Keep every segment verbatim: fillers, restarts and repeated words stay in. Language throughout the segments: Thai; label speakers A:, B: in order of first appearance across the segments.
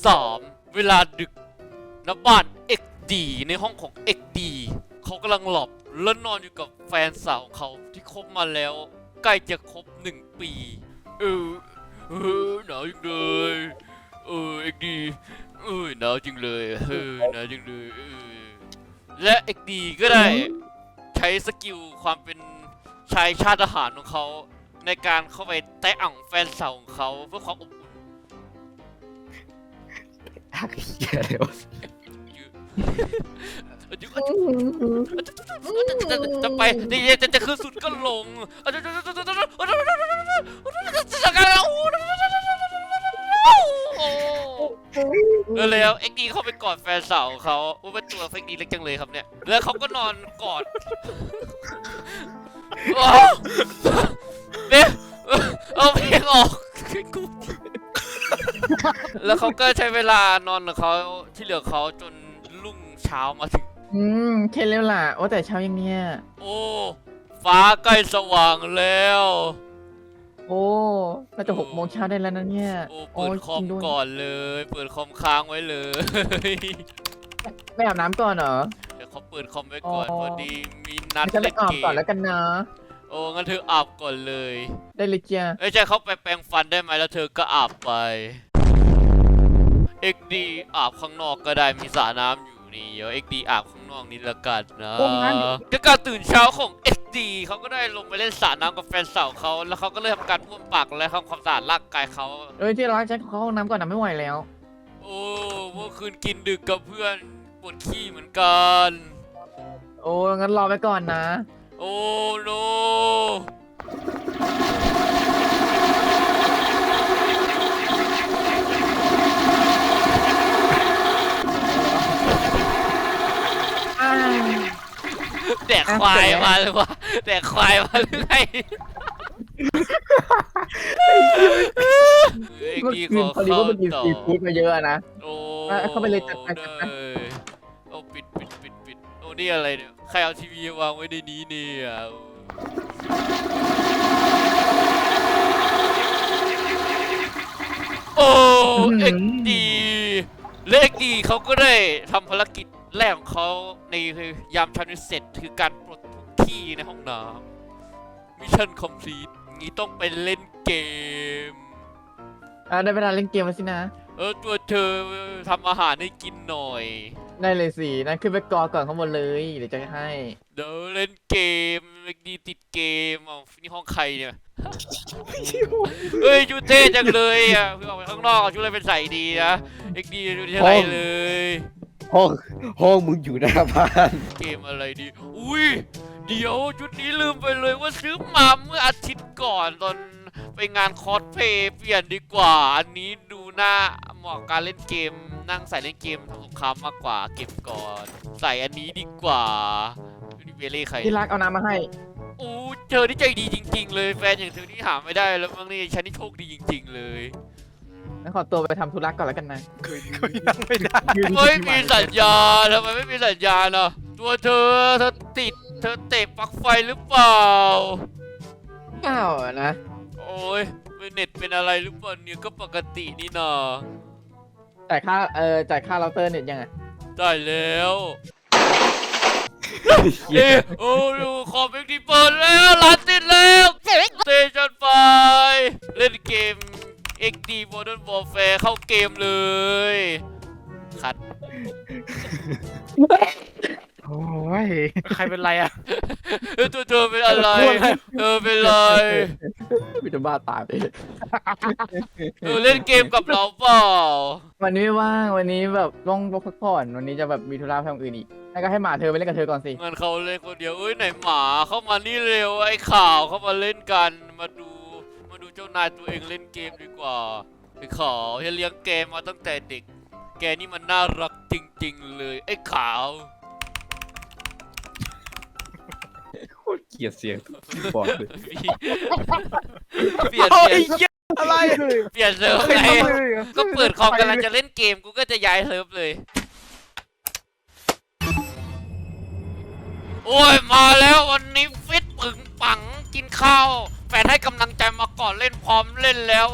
A: สามเวลาดึกณบ้าน เอ็กซ์ ดี ในห้องของ เอ็กซ์ ดี เขากำลังหลับและนอนอยู่กับแฟนสาวของเขาที่คบมาแล้วใกล้จะครบหนึ่งปีเออเออหนาวจังเลยเออ เอ็กซ์ ดี เออหนาวจังเลยเออหนาวจังเลยเออและ เอ็กซ์ ดี ก็ได้ใช้สกิลความเป็นชายชาติทหารของเขาในการเข้าไปแตะอ่างแฟนสาวของเขาเพื่อความอบอุ่น
B: ทักเหี้ยเลยวะ
A: จะไปจะจะคือสุดก็ลงแล้วเอ็กดีเข้าไปกอดแฟนสาวเขาว่าเป็นตัวเอ็กดีเล็กจังเลยครับเนี่ยแล้วเขาก็นอนกอดเนี่ยเอาเพลงออกแล้วเขาก็ใช้เวลานอนกับเขาที่เหลือเขาจนรุ่งเช้ามาถึง
C: อืมแค่เร็วล่ะโอ้แต่เช้ายังเนี่ย
A: โอ้ฟ้าใกล้สว่างแล้ว
C: โอ้น่าจะหกโมงเช้าได้แล้วนะเนี่ย
A: โอ้เปิดคอมก่อนเลยเปิดคอมค้างไว้เลย
C: ไม่อาบน้ำก่อนเหรอ
A: เดี๋ยวเขาเปิดคอมไว้ก่อนพอดีมีนัด
C: เล่นเกมอาบก่อนแล้วกันนะ
A: โอ้งั้นเธออาบก่อนเลย
C: ได้เลยจ้ะ
A: เอ้ยใช่เขาไปแปรงฟันได้ไหมแล้วเธอก็อาบไปเอ็กดีอาบข้างนอกก็ได้มีสระน้ำอยู่นี่เดี๋ยวเอ็กดีอาบข้างนอกนี่ละกันนะก็การตื่นเช้าของเอ็กดีเขาก็ได้ลงไปเล่นสระน้ำกับแฟนสาวเขาแล้วเขาก็เลยทำการบ้วนปากและทำความสะอาดร่างกายเขา
C: เอ้ยที่รักฉันเข้าห้องน้ำก่อนนะไม่ไหวแล้ว
A: โอ้เมื่อคืนกินดึกกับเพื่อนปวดขี้เหมือนกัน
C: โอ้งั้นรอไปก่อนนะ
A: โอ้โนแดกควายมาเลยวะแดกควายมาหรือไง
C: เมื่อคืนพอดีว่ามันกินซีฟู้ดมาเยอะนะ
A: โอ้
C: เข้าไปเลยจัดไปจัดไป
A: โอ้ปิดปิดปิดปิดโอ้นี่อะไรเนี่ยใครเอาทีวีวางไว้ในนี้เนี่ยโอ้เอ็กดีเลขดีเขาก็ได้ทำภารกิจแรกของเขาในยามเช้านี้เสร็จคือการปลดทุกขี้ในห้องน้ำมิชชั่นคอมพลีทงี้ต้องไปเล่นเกม
C: อ่าได้เวลาเล่นเกมแล้วสินะ
A: เออตัวเธอทำอาหารให้กินหน่อย
C: ได้เลยสินั่นขึ้นไปกอก่อนข้างบนเลยเดี๋ยวจะให้
A: เดี๋ยวเล่นเกมดีติดเกมอ๋อนี่ห้องใครเนี่ยเฮ้ยชุดเท่จังเลยอ่ะเพิ่งออกไปข้างนอกชุดอะไรเป็นใส่ดีนะเอ็กดีดูที่ไรเลย
B: ห้องห้องมึงอยู่หน้าบ้าน
A: เกมอะไรดีอุ้ยเดี๋ยวชุดนี้ลืมไปเลยว่าซื้อมาเมื่ออาทิตย์ก่อนตอนไปงานคอสเพลย์เปลี่ยนดีกว่าอันนี้ดูหน้าเหมาะการเล่นเกมนั่งใส่เล่นเกมทำสงครามมากกว่าเก็บก่อนใส่อันนี้ดีกว่านี่เวเล่ใคร
C: ที่รักเอาน้ำมาให้
A: อู้เธอที่ใจดีจริงๆเลยแฟนอย่างเธอที่หาไม่ได้แล้วมั้งนี่ฉันนี่โชคดีจริงๆเลย
C: งั้นขอตัวไปทำธุระก่อนแล้วกันนะ
B: คุยนั่งไม่ได้
A: ไม่มีสัญญาทำไมไม่มีสัญญาเนาะตัวเธอเธอติดเธอเตะปลั๊กไฟหรือเปล่า
C: เปล่านะ
A: โอ้ยเน็ตเป็นอะไรหรือเปล่าเนี่ยก็ปกตินี่นา
C: จ่ายค่าเอ่อจ่ายค่าเราเตอร์เน็ตยังไง
A: ได้แล้วเอ้โอ้ดูคอมเอ็กซ์ดีเปิดแล้วร้านติดแล้วสเตชันไฟเล่นเกม เอ็กซ์ ดี Modern Warfare เข้าเกมเลยคัด
C: โอ้ย
B: ใครเป็นไรอ่ะ
A: ตัวเธอเป็นอะไรเธอเป็นไร
C: พี่จะบ้าตายไป
A: เออเล่นเกมกับเราเปล่า
C: วันนี้ไม่ว่างวันนี้แบบต้องพักผ่อนวันนี้จะแบบมีธุระทำอื่นอีกแล้วก็ให้หมาเธอไปเล่นกับเธอก่อนสิ
A: งั้นเขาเล่นคนเดียวเอ้ยไหนหมาเข้ามานี่เร็วไอ้ข่าวเข้ามาเล่นกันมาดูมาดูเจ้านายตัวเองเล่นเกมดีกว่าไอ้ข่าวที่เลี้ยงเกมมาตั้งแต่เด็กแกนี่มันน่ารักจริงๆเลยไอ้ข่าว
B: โคตรเกลียดเสียงบอดเลย
A: เปลี่ยนเปลี่ยนอะไรเปลี่ยนเซิร์ฟไงก็เปิดคอมกำลังจะเล่นเกมกูก็จะย้ายเซิร์ฟเลยโอ้ยมาแล้ววันนี้ฟิตปึงปังกินข้าวแฟนให้กำลังใจมาก่อนเล่นพร้อมเล่นแล้ว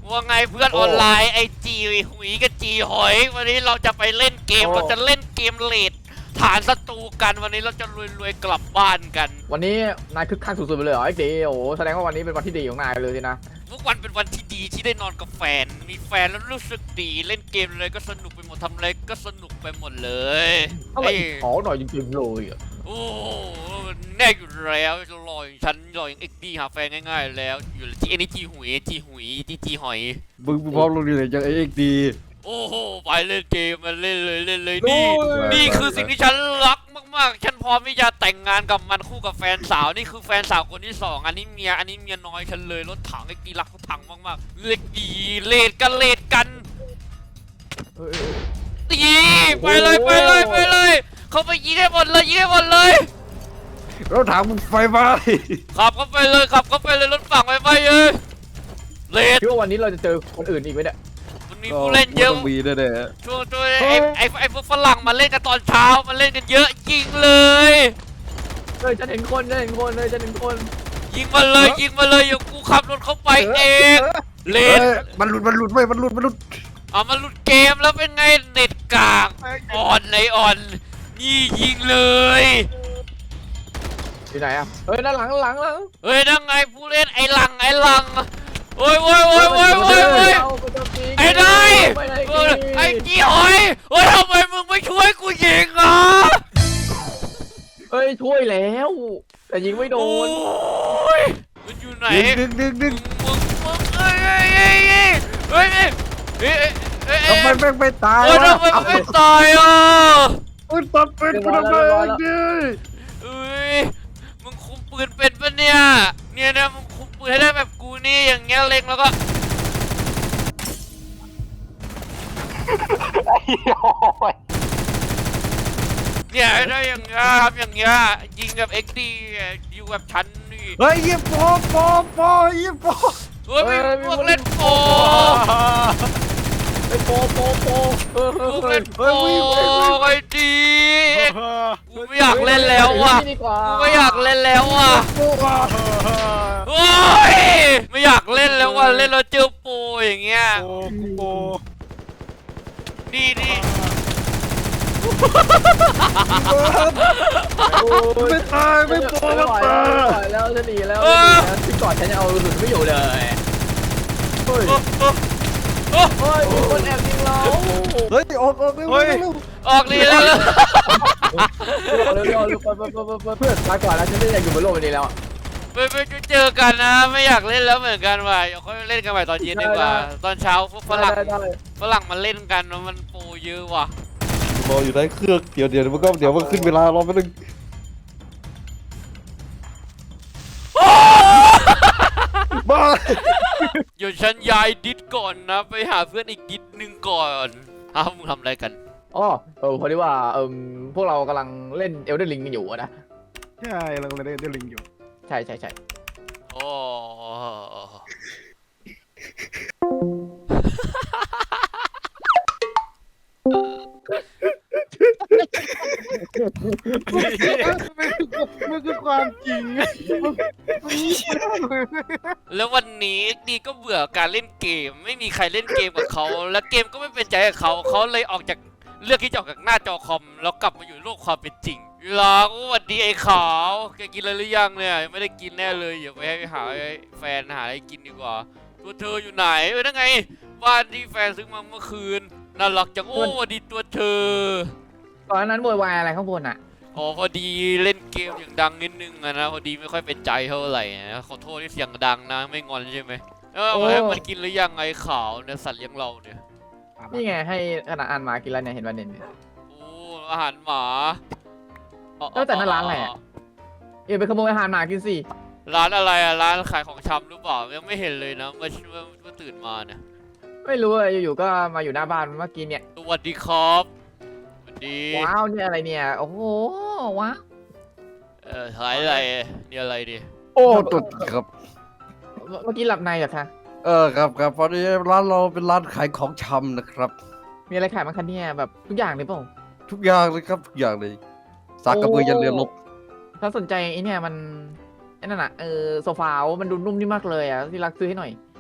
A: ว่าไงเพื่อนออนไลน์ไอจีหุยกับจีหอยวันนี้เราจะไปเล่นเกมเราจะเล่นเกมเลดฐานศัตรูกันวันนี้เราจะรวยๆกลับบ้านกัน
C: วันนี้นายคึกคักสุดๆไปเลยเหรอไอ้เดีโอ้แสดงว่าวันนี้เป็นวันที่ดีของนายเลยสินะ
A: ทุกวันเป็นวันที่ดีที่ได้นอนกับแฟนมีแฟนแล้วรู้สึกดีเล่นเกมเลยก็สนุกไปหมดทำอะไรก็สนุกไปหมดเลย
C: อะไร
A: เอ้ย
C: ขอหน่อยจริงๆเลยอ่ะ
A: โอ้แน่อยู่แล้วจะรออย่างฉันรออย่างเอ็กดีหาแฟนง่ายๆแล้วอยู่ที่เอ็นจีหุยจีหุยจีจีหอย
B: มึงพร้อมลงดีเลยจากเอ็กดี
A: โอ้โหไปเล่นเกมมาเล่นเลยเล่นเลยนี่นี่คือสิ่งที่ฉันรักมากๆฉันพร้อมที่จะแต่งงานกับมันคู่กับแฟนสาวนี่คือแฟนสาวคนที่สองอันนี้เมียอันนี้เมียน้อยฉันเลยรถถังเอ็กดีรักรถถังมากๆเล็กดีเลดกันเลดกัน
C: เออเออ
A: ตีไปเลยไปเลยไปเลยเขาไปยิงให้หมดเลยยิงให้หมดเลย
B: รถถังมึงไฟไหม้
A: ขับเข้าไปเลยขับเข้าไปเลยรถฝั่งไปไปเลยเลด
C: คิดว่าวันนี้เราจะเจอคนอื่นอีกไหมเนี่ย
A: มันมีผู้เล่นเยอะ
B: ต้องมีแน่
A: ช่วงช่วงไอ้ไอ้ไอ้พวกฝรั่งมาเล่นกันตอนเช้ามาเล่นกันเยอะยิงเลย
C: เฮ้ยฉันเห็นคนฉันเห็นคนเลยฉันเห็นคน
A: ยิงมาเลยยิงมาเลยอย่ากูขับรถเข้าไปเอง
B: ๆ
A: เล
B: เอ้
A: น
B: ยมันหลุดมันหลุดเว้ยมันหลุดมันหลุด
A: เอามาหลุดเกมแล้วเป็นไงเน็ตกากอ่อนเลยอ่อนนี่ยิงเลย
C: อยู่ไหนอ่ะเฮ้ยด้านหลังด้านหลังหลัง
A: เฮ้ยนั่งไงผู้เล่นไอ้หลังไอ้หลังโอ้ยโอ้ยโอ้ยโอ้ยโอ้ยโอ้ยไอ้นายเออไอ้จี้หอยเฮ้ยทำไมมึงไม่ช่วยกูยิงอ่ะ
C: เฮ้ยช่วยแล้วแต่ยิงไม่โด
A: โอ้
C: น
A: ยมันอยู่ไหน
B: ดึงดึงดึงดึ
A: มึ
B: ง
A: งมึงมึงเฮ้ยเฮ้ยเฮ้ยเฮ้ยเฮ้ยเฮ้ยเฮ้ย
B: ทำไมแม่งไม่ตาย
A: เฮ้ยว
B: ะ
A: ทำไมมึงไม่ตายอ่ะ
B: อุ้ยตัดเป็นกูทำไมเอ็กดี
A: เอ้ยมึงคุมปืนเป็นปะเนี่ยเนี่ยนะมึงคุมปืนให้ได้แบบกูนี่อย่างเงี้ยเล็งแล้วก็เนี่ยได้อย่างเงี้ยครับอย่างเงี้ยยิงกับเอ็กดีอยู่กับฉันนี่
B: เฮ้ยยี่ปอปอปอยี่ปอ
A: เฮ้ยมีพวกเล่นโป
C: ไอ้โปโปโปเออ
A: พวกเล่นโปไอ้ดีกูไม่อยากเล่นแล้วว่ะ
C: ดีกว่า
A: กูไม่อยากเล่นแล้วว่ะโอ้ยไม่อยากเล่นแล้วว่ะเล่นแล้วเจอโปอย่างเงี้ย
B: โอ้กูโป
A: นี่นี่
B: ไม่ตายไม่โป
C: ไม่
B: ไม่
C: ไหว
B: ตา
C: แล้ว
B: ย
C: ไม่ไหวแล้วจะหนีแล้วที่ก่อนฉันยังเอากระสุนไม่อยู่เลยเฮ้ย
A: โอ้โอ้
C: เฮ้ยมีคนแอบยิงเรา
B: เฮ้ยออกออกเร็วเร็วเร็ว
A: ออกดีแล้ว
C: เร็วเร็วเร็วเพื่อนมาก่อนแล้วฉันไม่อยากอยู่บนโลกนี้แล้ว
A: ไปไปเจอกันนะไม่อยากเล่นแล้วเหมือนกันว่ะเดี๋ยวค่อยเล่นกันใหม่ตอนเย็นดีกว่าตอนเช้าพวกฝรั่งฝรั่งมาเล่นกันมันโปเยอะว่ะ
B: รออยู่ในเครื่องเดี๋ยวเดี๋ยวมันก็เดี๋ยวมันขึ้นเวลารอแป๊บนึงบ้า
A: เดี๋ยวฉันย้ายดิสก่อนนะไปหาเพื่อนอีกดิสหนึ่งก่อนอ้าวมึงทำอะไรกัน
C: อ๋อเออพอดีว่าเออพวกเรากำลังเล่นเอลเดอร์ลิงกันอยู่นะ
B: ใช่เราเลยได้ลิงอยู่
C: ใช่ใช่ใช่
A: โอ้
B: มันคือความจริง
A: แล้ววันนี้ดีก็เบื่อการเล่นเกมไม่มีใครเล่นเกมกับเขาและเกมก็ไม่เป็นใจกับเขาเขาเลยออกจากเลือกที่จะออกจากหน้าจอคอมแล้วกลับมาอยู่โลกความเป็นจริงเวลาก็สวัสดีไอ้ขาวแกกินอะไรหรือยังเนี่ยยังไม่ได้กินแน่เลยอย่าไปให้หาแฟนหาอะไรกินดีกว่าตัวเธออยู่ไหนเออนั่นไงบ้านที่แฟนซื้อมาเมื่อคืนน่ารักจังโอ้สวัสดีตัวเธอ
C: ตอนนั้นโวยวายอะไรข้างบนอ่ะ
A: อ๋อพอดีเล่นเกมอย่างดังนิดนึงอะนะพอดีไม่ค่อยเป็นใจเท่าไหร่นะขอโทษที่เสียงดังนะไม่งอนใช่ไหมเออให้มันกินหรือยังไงขาวเนี่ยสัตว์เลี้ยงเราเนี่ย
C: นี่ไงให้ขนาดอ่านมากินแล้วเนี่ยเห็นวันเด่น
A: โอ้อาหารหมา
C: เออแต่นั่นร้านอะไรอะ เอ๋ไปขโมยอาหารหมากินสิ
A: ร้านอะไรอะร้านขายของชำหรือเปล่ายังไม่เห็นเลยนะเมื่อเมื่อเมื่อตื่นมาเนี่ย
C: ไม่รู้เลยอยู่ๆก็มาอยู่หน้าบ้านเมื่อกี้เนี่ย
A: สวัสดีครับสวัสดี
C: ว้าวเนี่ยอะไรเนี่ยโอ้โหว้าว
A: เออขายอะไรนี่อะไรดิ
B: โอ้ตุดครับ
C: เมื่อกี้หลับในเหรอคะ
B: เออครับครับพอดีร้านเราเป็นร้านขายของชำนะครับ
C: มีอะไรขายบ้างคะเนี่ยแบบทุกอย่างเลยเปล่า
B: ทุกอย่างเลยครับทุกอย่างเลยสากกระเบือยันเรือรบ
C: ถ้าสนใจไอ้เนี่ยมันไอ้นั่นน่ะเออโซฟามันดูนุ่มนี่มากเลยอ่ะที่รักซื้อให้หน่อย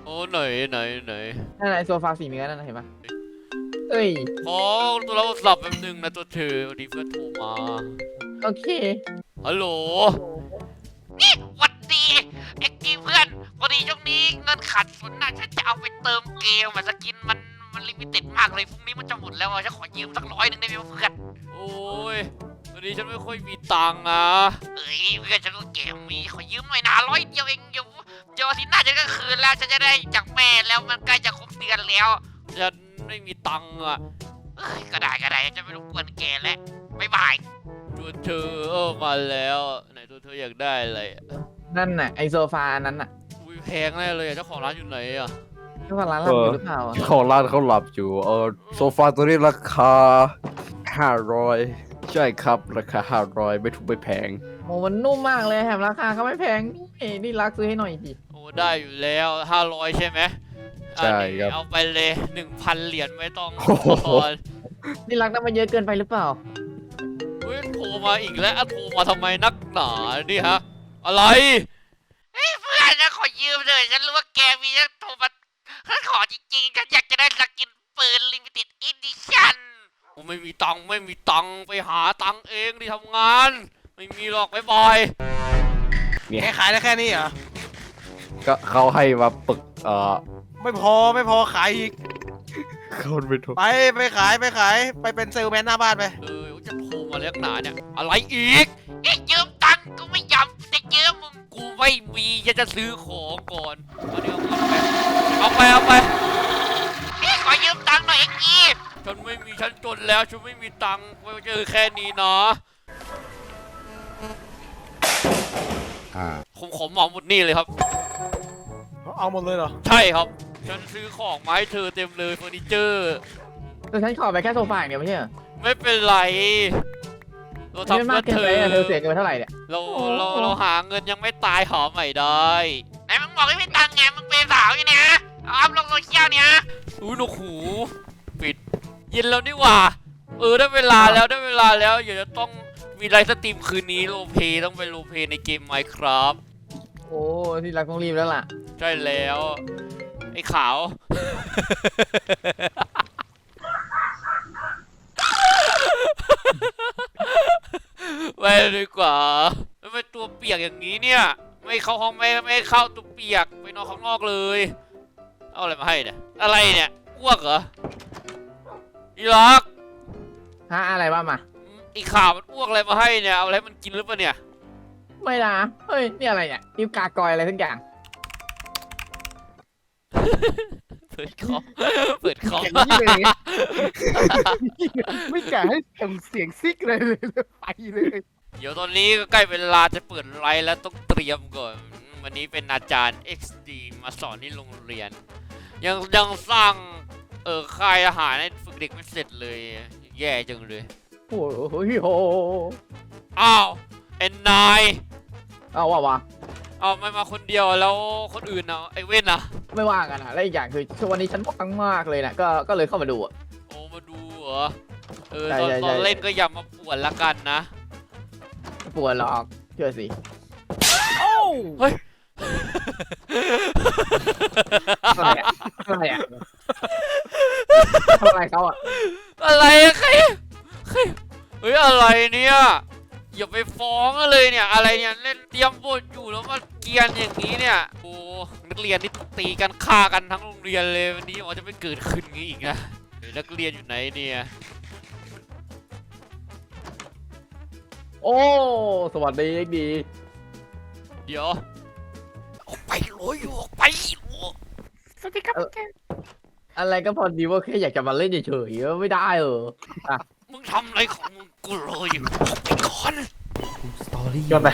A: โอ้ไหนไหนไหน
C: นั่นไอโซฟาสีเนื้อนั่นนะเห็นปะเอ้ย
A: ขอตัวเราสับแป๊บนึงนะตัวเธอวันนี้เพื่อนโทรมา
C: โอเค
A: ฮัลโหล
D: หวัดดีเอ็กกี้เพื่อนพอดีช่วงนี้เงินขาดสนน่ะฉันจะเอาไปเติมเกมอะสกินมันมันลิมิเต็ดมากเลยพรุ่งนี้มันจะหมดแล้วอะฉันขอยืมสักร้อยหนึ่งได้ไหมเพื่อน
A: โอ้ยวันนี้ฉันไม่ค่อยมีตังค์นะ
D: เอ้ยเพื่อนฉันก็เกมมีขอยืมหน่อยนะร้อยเดียวเองเดี๋ยวเดี๋ยวอาทิตย์หน้าฉันก็คืนแล้วฉันจะได้จากแม่แล้วมันใกล้จะครบเดือนแล้ว
A: ฉันไม่มีตังค์อ่ะ
D: เอ้ยก็ได้ก็ได้จะไม่รบกวนแกแล้วบ๊ายบาย
A: ตัวเธอเออมาแล้วไหนตัวเธออยากได้อะไรอะ
C: นั่นน่ะไอโซฟาอันนั้นน่ะ
A: อุ้ยแพงแน่เลยอะเจ้าของร้านอยู่ไหนอ่ะ
C: เจ้าของร้านหลับอยู่หรือเปล่าอะ
B: ของร้านเขาหลับอยู่เออโซฟาตัวนี้ราคาห้าร้อยใช่ครับราคาห้าร้อยไม่ถูกไม่แพง
C: โอ้มันนุ่มมากเลยแถมราคาก็ไม่แพงนี่นี่รักซื้อให้หน่อยสิ
A: โอ้ได้อยู่แล้วห้าร้อยใช่ไหม
B: ใช่
A: อันนี้
B: ครับ
A: เอาไปเลยหนึ่งพันเหรียญไม่ต้อง
B: โอ้โห
A: ทอน
C: นี่รักได้มาเยอะเกินไปหรือเปล่า
A: เฮ้ยโทรมาอีกแล้วอ่ะโทรมาทำไมนักหนานี่ฮะอะไร
D: เฮ้ยเพื่อนฉันขอยืมเลยฉันรู้ว่าแกมีฉันโทรมาฉันขอจริงๆฉันอยากจะได้สกินปืนลิมิเต็ดอีดิชั่น
A: กูไม่มีตังค์ไม่มีตังค์ไปหาตังค์เองที่ทำงาน ไม่มีหรอกบ๊ายบาย
B: เนี่ย
E: แค่ขายได้แค่นี้เหรอ
B: ก็เขาให้มาปึกเอ่อ
E: ไม่พอไม่พอขายอีก
B: เขาไม่ถูก
E: ไปไปขายไปขายไปเป็นเซลแมนหน้าบ้านไป
A: เออจะโทรมาเรียกหนาเนี่ยอะไรอีก
D: เอ้ยยืมตังค์กูไม่ยอมจะยืมมึง
A: กูไม่มีจะจะซื้อของก่อนเอาเดี๋ยวเอาไปเอาไป
D: เอ้ยขอยืมตังค์หน่อยเอ็กกี้
A: ฉันไม่มีฉันจนแล้วฉันไม่มีตังค์ไว้เจอแค่นี้นะ
B: อ่า
A: ผมขอเหมาหมดนี่เลยครับ
E: เอาหมดเลยเหรอ
A: ใช่ครับ ฉันซื้อของมาให้เธอเต็มเลยเฟอร์นิเจอร์
C: แต่ฉันขอไปแค่โซฟาอย่างเดียวไม่ใช่เหรอ
A: ไม่เป็นไรเรา
C: ไม่
A: ทำ
C: มาก
A: เพื่อ
C: เกิน
A: เธอ
C: ไปอะเธอเสียเงินไปเท่าไหร่เนี่ย
A: เรา
C: โอ้
A: เราเราหาเงินยังไม่ตายหาใหม่ได้
D: ไหนมึงบอกให้ไม่ตังค์ไงมึงเป็นสาวอยู่เนี่ยเอาอัพลงโซเชียลเนี่ย
A: อุ้ยหนวกหูปิดเย็นแล้วนี่หว่า เออได้เวลาแล้วได้เวลาแล้วเดี๋ยวจะต้องมีไลฟ์สตรีมคืนนี้โรลเพลย์ต้องไปโรลเพลย์ในเกม Minecraft
C: โอ้ที่รักต้องรีบแล้วล่ะ
A: ใช่แล้ว ไอ้ขาว ไปดีกว่าไม่เป็นตัวเปียกอย่างนี้เนี่ย ไม่เข้าห้องไม่ไม่เข้าตัวเปียกไปนอนข้างนอกเลย เอาอะไรมาให้เนี่ยอะไรเนี่ยอ้วกเหรออีล็อก
C: ฮะอะไรบ้างมา
A: อีข่าวมันอ้วกอะไรมาให้เนี่ยเอาอะไรมันกินหรือเปล่าเนี่ย
C: ไม่นะเฮ้ยนี่อะไรเนี่ยนิ้วกากอยอะไรทั้งอย่าง
A: เปิดคอมเปิดคอม
E: อย่างนี้เลย ไม่กล้าให้ส่งเสียงซิกเลยเลยไปเลย
A: เดี๋ยวตอนนี้ก็ใกล้เวลาจะเปิดไลฟ์แล้วต้องเตรียมก่อน วันนี้เป็นอาจารย์ เอ็กซ์ ดี มาสอนที่โรงเรียน ยังยังสร้างเออค่ายอาหารให้ฝึกเด็กไม่เสร็จเลย แย่จังเลย
C: โอ้โหโห
A: อ้าวเอ็นนาย
C: เอาว่ะวะ
A: เอาไม่มาคนเดียวแล้วคนอื่นเนาะไอเว้นนะ
C: ไม่ว่างกันอ่ะและอีกอย่างคือช่วงวันนี้ฉันว่างมากเลยนะก็ก็เลยเข้ามาดูอ่ะ
A: โอ้มาดูเหรอเออ
C: ใช่
A: ตอน
C: ใช่
A: ตอน
C: ใช่
A: เล่นก็อย่ามาปวดละกันนะ
C: ไม่ปวดหรอกเชื่อสิ
A: เฮ้ย
C: อะไรอะอะไรอะทำอะไรเขาอ่ะ
A: อะไรอะใครใครเฮ้ยอะไรเนี่ยอย่าไปฟ้องเลยเนี่ยอะไรเนี่ยเล่นเตรียมบทอยู่แล้วมาเกรียนอย่างนี้เนี่ยโอ้นักเรียนนี่ตีกันฆ่ากันทั้งโรงเรียนเลยวันนี้อ๋อจะไม่เกิดขึ้นงี้อีกนะเฮ้ยนักเรียนอยู่ไหนเนี่ย
C: โอ้สวัสดีดี
A: เดี๋ยวออกไปโอยอยู่ออกไปโอ้
D: สวัสดีครับ
C: อะไรก็พอดีว่าแค่อยากจะมาเล่นเฉยๆไม่ได้เออ
A: มึงทำอะไรของมึงกูรออยู่ออกไปก่อน
E: ยอดไป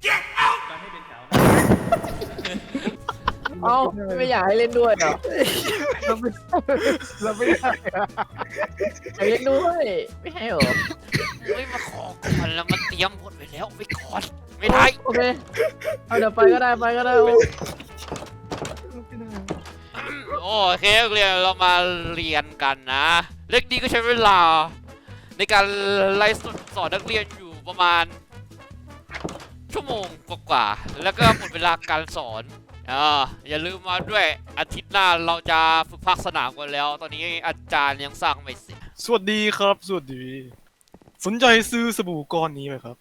C: เอ้าไม่อยากให้เล่นด้วยเหรอ
E: เราไม่เราไม่ได้อะ
C: อยากเล่นด้วยไม่ให้เหรอ
A: เฮ้ยมาขอก่อนแล้วมันเตรียมบทไปแล้วไปก่อนไม่ได้
C: โอเคเอาเดี๋ยวไปก็ได้ไปก็ได้โอ้
A: โอเคนักเรียนเรามาเรียนกันนะเล็กดีก็ใช้เวลา ในการไลฟ์สดสอนนักเรียนอยู่ประมาณชั่วโมงกว่าๆแล้วก็หมดเวลาการสอนอ่าอย่าลืมมาด้วยอาทิตย์หน้าเราจะฝึกภาคสนามกันแล้ว ตอนนี้อาจารย์ยังสร้างไม่เสร็จ
E: สวัสดีครับสวัสดี สนใจซื้อสบู่ก้อนนี้ไหมครับ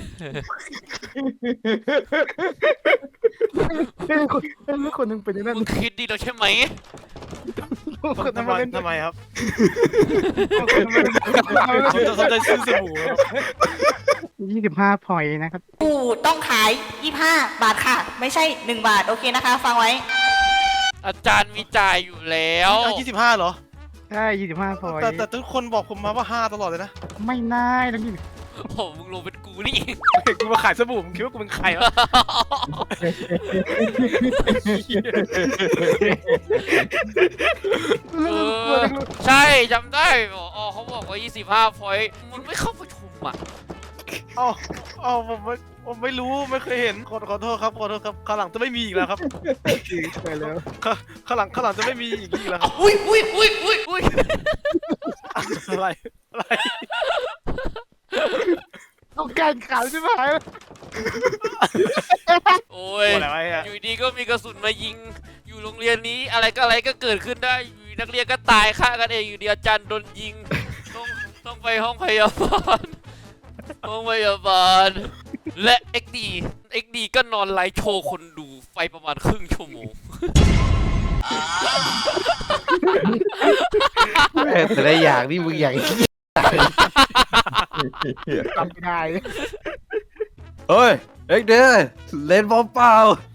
C: ไม่คนนึงเป็นอย่างนั้น
A: มึงคิดดีแล้วใช่ไหม
C: คนนึ
E: ทำ
C: ง
E: ไม
C: มาเล่น
E: ทำไมครับ
C: คนนึงมาเล่น
E: สนใจสนใจซื้อสบู่ครับ
C: ยี่สิบห้าพอยต์นะครับ
F: อู่ต้องขายยี่สิบห้าบาทค่ะ ไม่ใช่หนึ่งบาท โอเคนะคะ ฟังไว้
A: อาจารย์มีจ่ายอยู่แล้ว
E: เอายี่สิบห้าเหรอ
C: ใช่ยี่สิบห้าพอยต์
E: แต่แต่ทุกคนบอกผมมาว่าห้าตลอดเลยนะ
C: ไม่น่าต้องยี่
A: โอ้โหมึงลงเป็นกูนี่เอง
E: กูมาขายสบู่มึงคิดว่ากูเป็นใครวะ
A: เออใช่จำได้อ๋อเขาบอกว่ายี่สิบห้าพอยต์มึงไม่เข้าประชุมอ่ะ
E: เอ้าเอ้าผมไม่ผมไม่รู้ไม่เคยเห็นขอขอโทษครับขอโทษครับข้างหลังจะไม่มีอีกแล้วครับ
C: ไปแล้ว
E: ข้าข้างหลังข้างหลังจะไม่มีอีกอีกแล้วครับ
A: อุ้ยอุ้ยอุ้ยอุ้ยอุ้ย
E: อะไรอะไร
C: ต้องการข่าวใช่ไหม
A: โอ้ย
E: อะไรวะเนี่ย
A: อยู่ดีก็มีกระสุนมายิง อยู่โรงเรียนนี้อะไรก็อะไรก็เกิดขึ้นได้อยู่นักเรียนก็ตายฆ่ากันเองอยู่ดีอาจารย์โดนยิงต้องต้องไปห้องพยาบาลห้องพยาบาลและ เอ็ก ดี เอ็ก ดี ก็นอนไลฟ์โชว์คนดูไปประมาณครึ่งชั่วโมง
B: แต่ละอย่างนี่มึงอย่าง
C: ทำไม่ได้
B: เฮ้ยเอ็กเดย์เล่นบอลเปล่า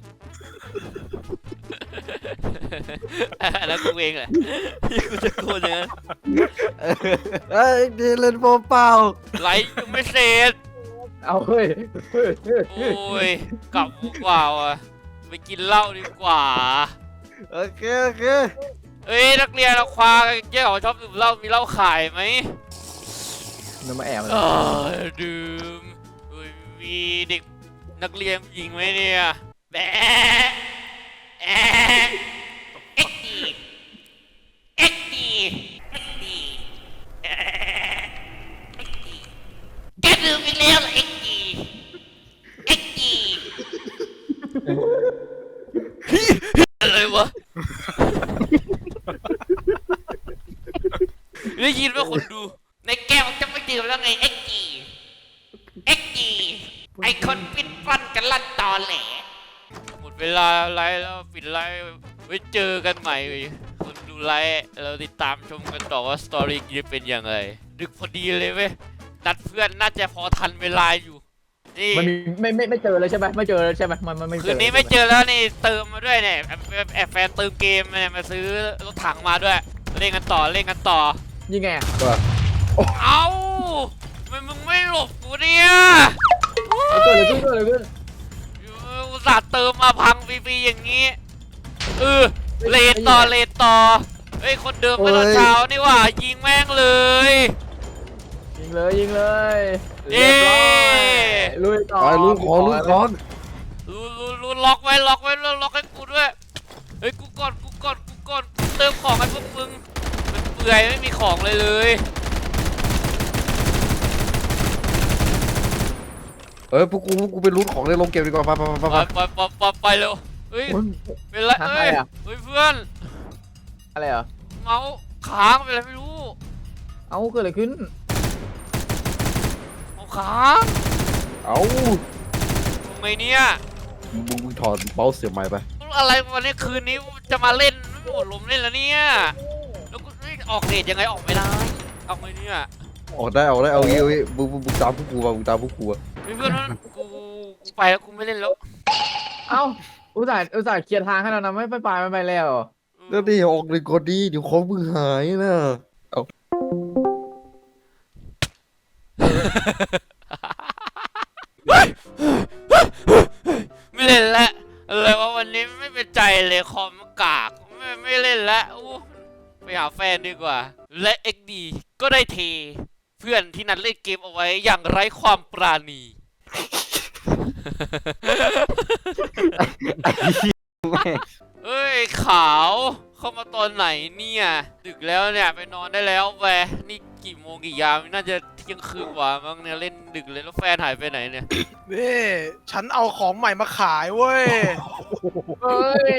A: แล้วกูเองแหละที่กูจะโกนอย่างนั้น
B: เอ้ยเอ็กเดย์เล่นบอลเปล่า
A: ไลฟ์ยังไม่เสร็จ
C: เอาเฮ้ย
A: โอ้ยกลับดีกว่าว่ะไปกินเหล้าดีกว่า
B: โอเคโอเค
A: เอ้ยนักเรียนเราควาแย่ของชอบดื่มเหล้ามีเหล้าขายไหม
C: มันมาแอบ
A: เออดื่มเฮ้ยมีเด็กนักเรียนผู้หญิงไหมเนี่ยแบะแอะเอ็กดีเอ็กดีเอ็กดีเอ็กดีแกดื่มอีกแล้วเหรอเอ็กดีเอ็กดีอะไรวะ ได้ยินว่าคนดู ในแก้วจะไม่ดื่มแล้วไงเอ็กจีเอ็กจีไอคนปิดฟันกันลั่นตอแหลหมดเวลาไลฟ์แล้วปิดไลฟ์ไว้เจอกันใหม่คนดูไลฟ์เราติดตามชมกันต่อว่าสตอรี่จะเป็นยังไงดึกพอดีเลยเว้ยนัดเพื่อนน่าจะพอทันเวลาอยู่นี่
C: มันมีไม่ไม่ไม่เจอเลยใช่ไหมไม่เจอเลยใช่ไหมมันมันไม่เจอ
A: คืนนี้ไม่เจอแล้วนี่เติมมาด้วยเนี่ยแอบแอบแอบแฟนเติมเกมเนี่ยมาซื้อรถถังมาด้วยเล่นกันต่อเล่นกันต่อ
C: ยิงไง
A: เอ้าทำไมมึงไม่หลบกูเนี่ย
C: เกิดอะไรขึ้นเกิดอะไรขึ้น
A: อุตส่าห์เติมมาพังฟรีๆอย่างนี้เออเลนต่อเลนต่อเฮ้ยคนเดิมเมื่อตอนเช้านี่หว่ายิงแม่งเลย
C: ยิงเลยยิงเลย
A: เย้
C: ลุยต่อ
B: ไปลูกของลูกของ
A: รู้รู้รู้ล็อกไว้ล็อกไว้ล็อกให้กูด้วยเฮ้ยกูก่อนกูก่อนกูก่อนกูเติมของให้พวกมึงมันเปื่อยไม่มีของเลยเลย
B: เออพวกกูพวกกูไปลุ้นของในโรงเกมดีกว่าไปไปไป
A: ไป
B: ไป
A: ไปไปไปไปเร็วเฮ้ย
C: โอ้ย
A: เป็นไร
C: หา
A: เอ้ย
C: ใครอะ
A: เฮ้ยเพื่อน
C: อะไรเหรอ
A: เมาส์ค้างเป็นไรไม่รู้
C: เอาเกิดอะไรขึ้น
A: เอาค้าง
B: เอา
A: ทำไมเนี่ย
B: มึงมึงถอดเมาส์เสียบใหม่ไป
A: อะไรวันนี้คืนนี้จะมาเล่นไม่หมดลมเล่นแล้วเนี่ยแล้วกูเฮ้ยออกเดทยังไงออกไม่ได้ออกไงเนี่ย
B: ออกได้ออกได้เอางี้เอางี้มึงมึงมึงตามพวกกูมามึงตามพวกกูอะ
A: เฮ้ยเพื่อนกูกูไปแล้วกูไม่เล่นแล้ว
C: เอ้าอุตส่าห์อุตส่าห์เคลียร์ทางให้เรานะไม่ไปไปไม่ไปแล้ว
B: แล้วนี่ออกเลยก่อนดีเดี๋ยวของมึงหายนะเอา
A: ไม่เล่นแล้วอะไรวะวันนี้ไม่เป็นใจเลยคอมกากไม่ไม่เล่นแล้วอู้ไปหาแฟนดีกว่า และ เอ็ก ดี ก็ได้เท เพื่อนที่นัดเล่นเกมเอาไว้อย่างไร้ความปราณี เอ้ยขาวเข้ามาตอนไหนเนี่ยดึกแล้วเนี่ยไปนอนได้แล้วแวนี่กี่โมงกี่ยามน่าจะเที่ยงคืนกว่ามั้งเนี่ยเล่นดึกเลยแล้วแฟนหายไปไหนเนี่ย
E: นี่ฉันเอาของใหม่มาขายเว้ย
C: เฮ้ย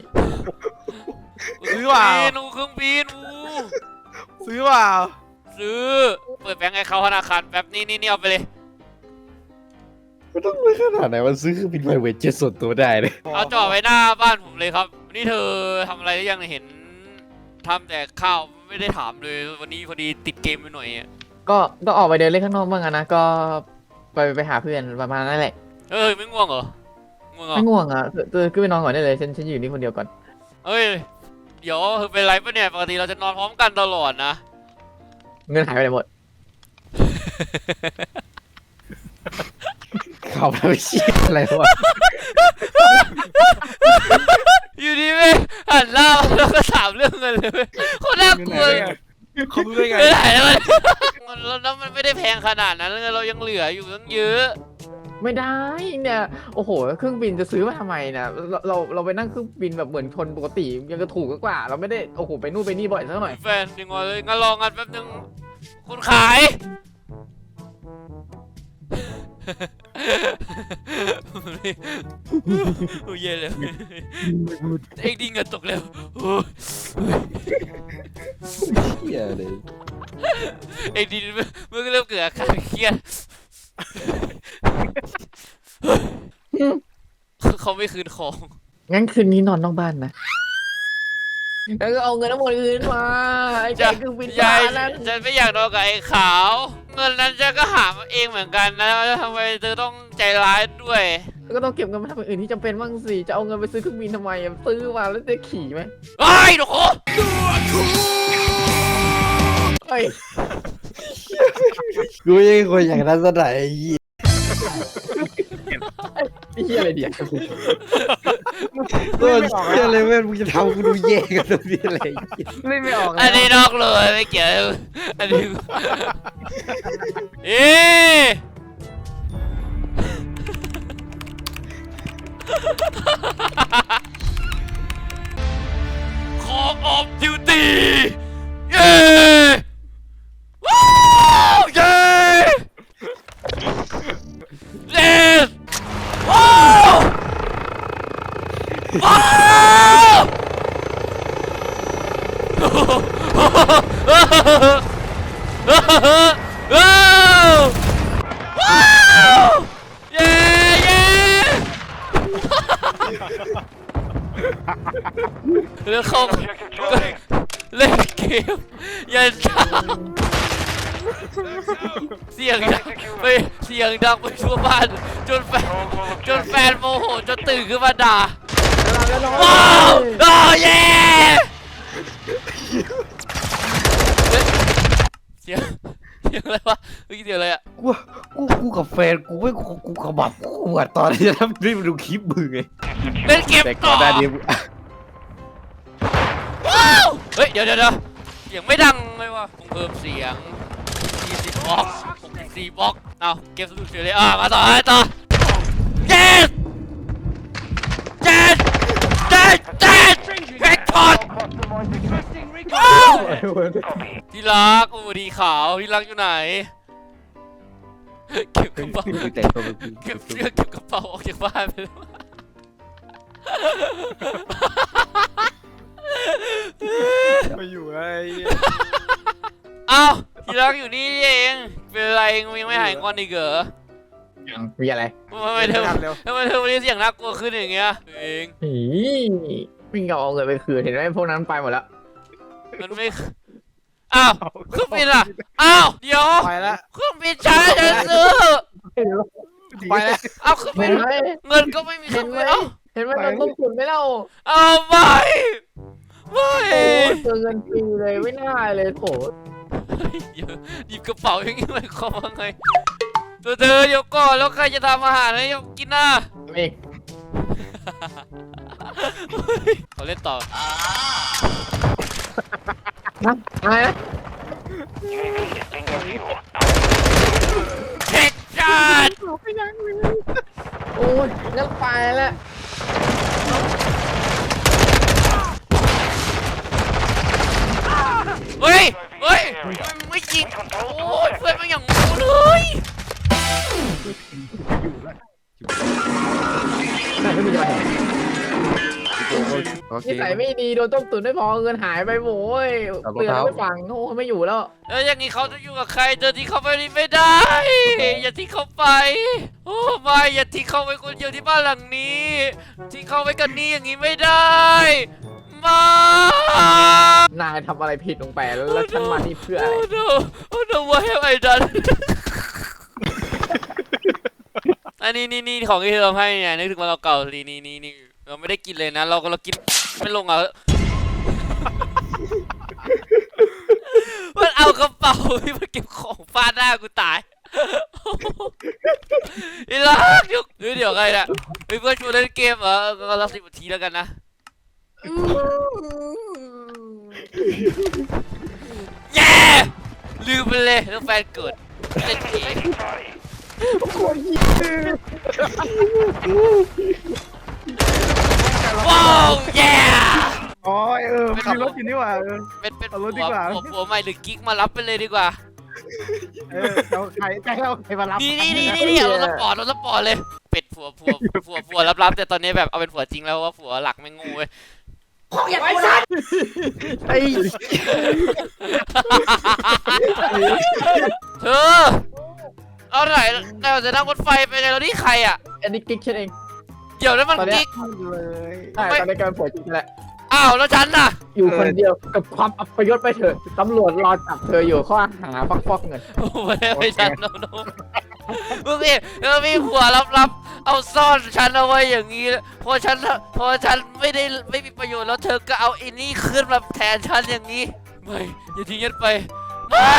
E: ซื้อเปล่า
A: นูเครื่องบินอู
E: ซื้อเปล่า
A: ซื้อเปิดแบงค์ให้เขาธนาคารแป๊บนี่นี่นี่เอาไปเลย
B: มันต้องไปขนาดไหนมันซื้อเครื่องบินไพรเวทเจ็ตส่วนตัวได้เลย
A: เอาจอดไว้หน้าบ้านผมเลยครับนี่เธอทำอะไรหรือยังเห็นทำแต่ข้าวไม่ได้ถามเลยวันนี้พอดีติดเกมไปหน่อยอะ
C: ก็ต้องออกไปเดินเล่นข้างนอกบ้างอะนะก็ไปไปหาเพื่อนประมาณนั้นแหละ
A: เอ้ยไม่ง่วงเหรอง่วงเหรอ
C: ไม่ง่วงอ่ะเธอขึ้นไปนอนก่อนได้เลยฉันฉันอยู่นี่คนเดียวก่อน
A: เอ้ยเดี๋ยวเธอเป็นไรปะเนี่ยปกติเราจะนอนพร้อมกันตลอดนะ
C: เงินหายไปไหนหมด
B: ข่าวไม่เชี่ยอะไรวะ
A: อยู่ดีเว้ยหันหน้ามาแล้วก็ถามเรื่องเงินเลยเว้ยโคตรน่ากลัวเลย
E: เขารู้ได้ไง
A: ไม่ได้แล้วมันแล้วมันไม่ได้แพงขนาดนั้นเลยเรายังเหลืออยู่ตั้งเยอะ
C: ไม่ได้เนี่ยโอ้โหเครื่องบินจะซื้อมาทำไมนะเราเราเราไปนั่งเครื่องบินแบบเหมือนคนปกติยังจะถูกกว่า เราไม่ได้โอ้โหไปนู่นไปนี่บ่อยสักหน่อย
A: แฟนยังไงเลยงั้นรองันแป๊บนึงคุณขาย โอ้ยเย่เลยเอ็กดิ้งเงินตกแล้วโอ้ย
B: เชี่ยเลย
A: เอ็กดิ้งมันก็เริ่มเกิดอาการเครียดเขาไม่คืนของ
C: งั้นคืนนี้นอนนอกบ้านนะแล้วก็เอาเงินทั้งหมดคืนมาไอ้ใจเครื่องบิน
A: ยาย
C: นั้น
A: ฉันไม่อยากนอนกับไอ้ขาว เงินนั้นฉันก็หามาเองเหมือนกันนะทำไมเธอต้องใจร้ายด้วย
C: แล้วก็ต้องเก็บเงินมาทำอย่างอื่นที่จำเป็นบ้างสิจะเอาเงินไปซื้อเครื่องบินทำไมอะซื้อมาแล้วจะขี่ไหม
A: ไอ้หนู
C: เฮ้ย
B: กูยังคนอย่างนั้นซะไหนไอ้เหี้ย
C: ไอ้เหี้ยอะไรเดียว
B: ตัวเชี่ยเลยเว้ยมึงจะทำกูดูแย่กันตรงนี้อะไร
C: เล่นไม่ออก
A: อัน
C: แล้ว
A: นี้นอกเลยไม่เกี่ยวอันนี้เอ๊ะคอออฟดิวตี้เย้ว้าวเย้เย้ว้าวว้าวว้าวว้าวเย้เย้แล้วเขาเล่นเกมยันช้าเสียงดังไปเสียงดังไปทั่วบ้านจนแฟนจนแฟนโมโหจนตื่นขึ้นมาด่าว้าวโอ้เย้เสียงเสียงอะไรวะเมื่อกี้เสียงอะไรอะ
B: กูกูกูกับแฟนกูไม่กูกูขมับกูอ่ะตอนที่จะทำรีบดูคลิปมึงไง
A: เล่นเกม
B: แต่ก่
A: ต่
B: อ
A: อน
B: หน้านี้มึง
A: ว้าวเฮ้ยเดี๋ยวเดี๋ยวเดี๋ยวเสียงไม่ดังเลยวะต้องเพิ่มเสียงยี่สิบบล็อกหกสิบสี่บล็อกเอาเกมสนุกเฉยเลยอ่ะมาต่อมาต่อ yes yes yes yes แพ็กพอดที่รักโอ้ดีขาวที่รักอยู่ไหนเก็บกระเป๋า
B: แต่ตัวมึง
A: เก็บเสื้อเก็บกระเป๋าออกจากบ้านไปแล้ว
E: ไปอยู่ไอ้
A: อ้าวที่รักอยู่นี่เองเป็นไรยังไม่หายงอนอีกเหรอ
C: ยังมีอะไร
A: ทำไมเธอ
E: ทำเร็ว
A: ทำไมเธอวันนี้เสียงน่ากลัวขึ้นอย่างเงี้ยเอง
C: หีวิ่งเอาเงินไปคืนเห็นไหมพวกนั้นไปหมดแล้ว
A: มันไม่อ้าวเครื่องบินอ่ะอ้าวเดี๋ยว
E: ไปแล้ว
A: เครื่องบินช้าฉันซื้อ
E: ไปแล้ว
A: เอาเครื่องบิ
C: เห็
A: น
C: นไหม
A: เงินก็ไม่มีเค
C: เห็
A: รื่อน ง
C: ไหม
A: บินเอ้า
C: เห็นไหมเราต้องขุนไม่เล่า
A: เอาไม่ไม่
C: โอ้ยเจอเงินฟรีเลยไม่น่าเลยโถ
A: เดี๋ยวหยิบกระเป๋าอย่างนี้หมายความว่าไงตัวเธอเดี๋ยวก่อนแล้วใครจะทำอาหารให้กินน่ะ
C: เอง
A: เขาเล่นต่อ
C: นะอะไรนะ
A: เฮ็ดช็อต
C: โอ้ยงั้นไปแล้ว
A: เฮ้ยเฮ้ยมันไม่จริงโอ้ยเพื่อนมันอย่างงูเลย
C: ไหนไม่มีจะมาเห็น
B: โอเค
C: นิสัยไม่ดีโดนต้มตุ๋นไม่พอเงินหายไปโว้ย
B: เอารอง
C: เตือน
B: เท้า
C: ไม่ฟังโอ้ไม่อยู่แล้ว
A: แล้วอย่างนี้เขาจะอยู่กับใครเดินที่เขาไปนี่ไม่ได้ อย่าทิ้งเขาไป โอ้ไม่อย่าทิ้งเขาไว้คนเดียวที่บ้านหลังนี้ทิ้งเขาไว้กันนี่อย่างนี้ไม่ได้ไม่
C: นายทำอะไรผิดลงไปแล้วฉันมานี่เพื่ออะไร
A: โอ้ no โอ้ no what have I done อันนี้นี่นี่ของที่เราให้เนี่ยนึกถึงวันเราเก่าลีนี่นี่นี่เราไม่ได้กินเลยนะ เราก็เรากินไม่ลงอ่ะ มันเอากระเป๋าที่มันเก็บของฟาดหน้ากูตายอีลักเดี๋ยวเดี๋ยวเดี๋ยวใครเนี่ยเฮ้ยเพื่อนชวนเล่นเกมเหรอก็รับสิบนาทีแล้วกันนะเย้ลืมไปเลยแล้วแฟนเกิดเล่นเกมว้าวเย้
E: อ๋อเออมีรถอยู่นี่หว่าเออ
A: เป็นเป็น
E: เอา
A: ผั
E: รถดีกว่า
A: วผัวใหม่หรือกิ๊กมารับไปเลยดีกว่า
E: เออเราใครใครเราใครมารับ
A: นี่นี่นี่นี่นี่เอารถสปอร์ตรถสปอร์ตเลย เป็ดผัวผัวผัวผัวรับๆแต่ตอนนี้แบบเอาเป็นผัวจริงแล้วว่าผัวหลักไม่งูเว้ย
B: ไอ้
A: เธอเอาไหนเราจะนั่งรถไฟไปเลยแล้วนี่ใครอ่ะ
C: อันนี้กิ๊กฉันเอง
A: เดี๋ยวนั้นมัน
C: ตอนเนี้ย
A: กิ๊ก
E: เลย
C: ใช่ตอนนี้กำลังป่วยจริงแหละ
A: อ้าวแล้วฉันน่ะ
C: อยู่คนเดียวกับความอัปยศไปเถอะตำรวจรอจับเธออยู่ข้อหาฟอกฟอกเงิน
A: โอ้ไม่ไม่ฉันโนโนมึงพี่แล้วมีผัวรับๆเอาซ่อนฉันเอาไว้อย่างนี้พอฉันพอฉันไม่ได้ไม่มีประโยชน์แล้วเธอก็เอาอินนี่ขึ้นมาแทนฉันอย่างนี้ไม่อย่าทิ้งฉันไปไม่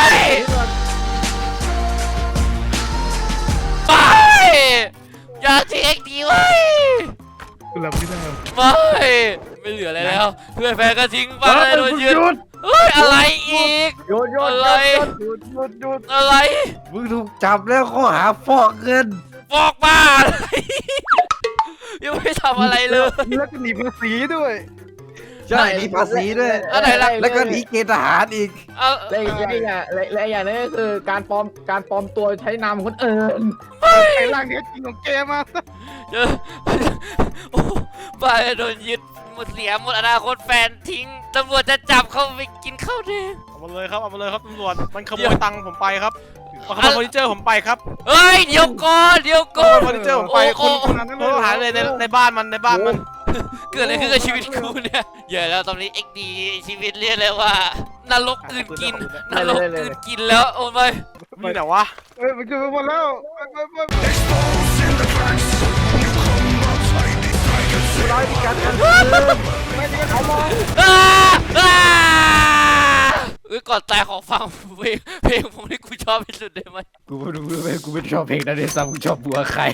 A: ไม่อย่าทิ้งเอ็กดีไว้
E: คุณรับไม่ได้
A: ไม่ไม่เหลืออะไรแล้วเพื่อนแฟนก็ทิ้งไปเลยโดนยืนเฮ้ยอะไรอีก
C: โยนโยน
A: อะไร
E: หยุดหยุดหยุด
A: อะไร
B: มึงถูกจับแล้วข้อหาฟอกเงิน
A: ฟอกบ้าอะไรยังไม่ทำอะไรเลย
E: แล้วก็หนีภาษีด้วย
B: ใช่หนีภาษีด้วย
A: อะไรล่ะ
B: แล้วก็หนีเกณฑ์ทหารอีก
A: เอา
C: และอีกอย่างและและอีกอย่างนึงก็คือการปลอมการปลอมตัวใช้นามคนอื่น
E: ไอ้ร่างเนี้ยจริงของเกมมา
A: เจอโอ้บ้าโดนยึดหมดเสียหมดอนาคตแฟนทิ้งตำรวจจะจับเขาไปกินข้าวแดง
E: เอามาเลยครับเอามาเลยครับตำรวจมันขโม
A: เดี๋
E: ย
A: ยว
E: ตังค์ผมไปครับมาขโมยเฟอร์นิเจอร์ผมไปครับ
A: เฮ้ยเดี๋ยวก่อนเดี๋ยว
E: ข
A: ก่อ
E: โม
A: น
E: ยเฟอร์นิเจอร์ผมไปคุณคุณคุณต้องหาเลยในในบ้านมันในบ้านมัน
A: เกิดอะไรขึ้นกับชีวิตกูเนี่ยเดี๋ยวแล้วตอนนี้เอ็กดีชีวิตเรียกเลยว่านรกอื่นกินนรกอื่นกินแล้วโอ้ไม่
E: มีแต่วะเอ้ยมันคือหมดแล้วไปไปไปไป
B: ร้อยมีการกัน
A: อ้าอ้าเอ้ยก่อนตายขอฟังเพลงเพลงผมที่กูชอบที่สุดได้ไหม
B: กูไม่รู้เลยกูไม่ชอบเพลงนั้นเลยซ้ำกูชอบบัวใคร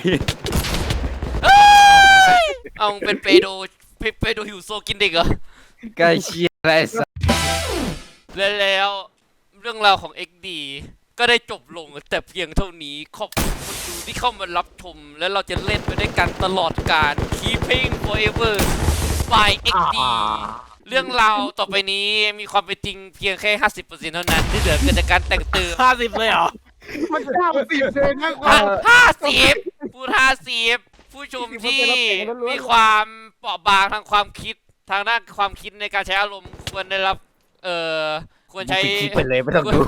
A: เอามึงเป็นเปโดเปเปโดหิวโซกินเด็กเหรอ
B: ใกล้เชียร์อะไรสัก
A: และแล้วเรื่องราวของ เอ็กซ์ ดี ก็ได้จบลงแต่เพียงเท่านี้ขอบคุณคนดูที่เข้ามารับชมและเราจะเล่นไปด้วยกันตลอดกาล Keeping Forever by เอ็กซ์ ดี เรื่องราวต่อไปนี้มีความเป็นจริงเพียงแค่ ห้าสิบเปอร์เซ็นต์ เท่านั้นที่เหลือเกิดจากการแต่งเติม
E: ห้าสิบเลยเหรอมันเก้าสิบเลยนะ
A: ห้าห้าสิบพูดห้าสิบผู้ชมที่มีความเปราะบางทางความคิดทางด้านความคิดในการใช้อารมณ์ควรได้รับเอ่อควรใช้
B: คลิปไปเลยไม่ต้องดู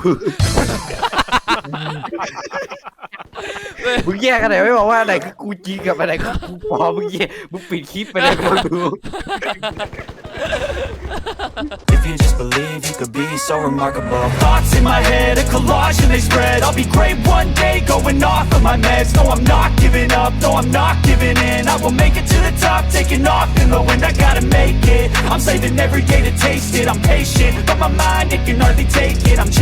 B: มึงแยกกันไหนไม่บอกว่าไหนคือกูจริงกับอะไรคือกูปลอมมึงแยกมึงปิดคลิปไปเลยไม่ต้องดู
G: If you just believe you could be so remarkable. Thoughts in my head, a collage and they spread. I'll be great one day, going off of my meds. No, I'm not giving up, no, I'm not giving in. I will make it to the top, taking off in the wind. I gotta make it. I'm saving every day to taste it. I'm patient, but my mind, it can hardly take it. I'm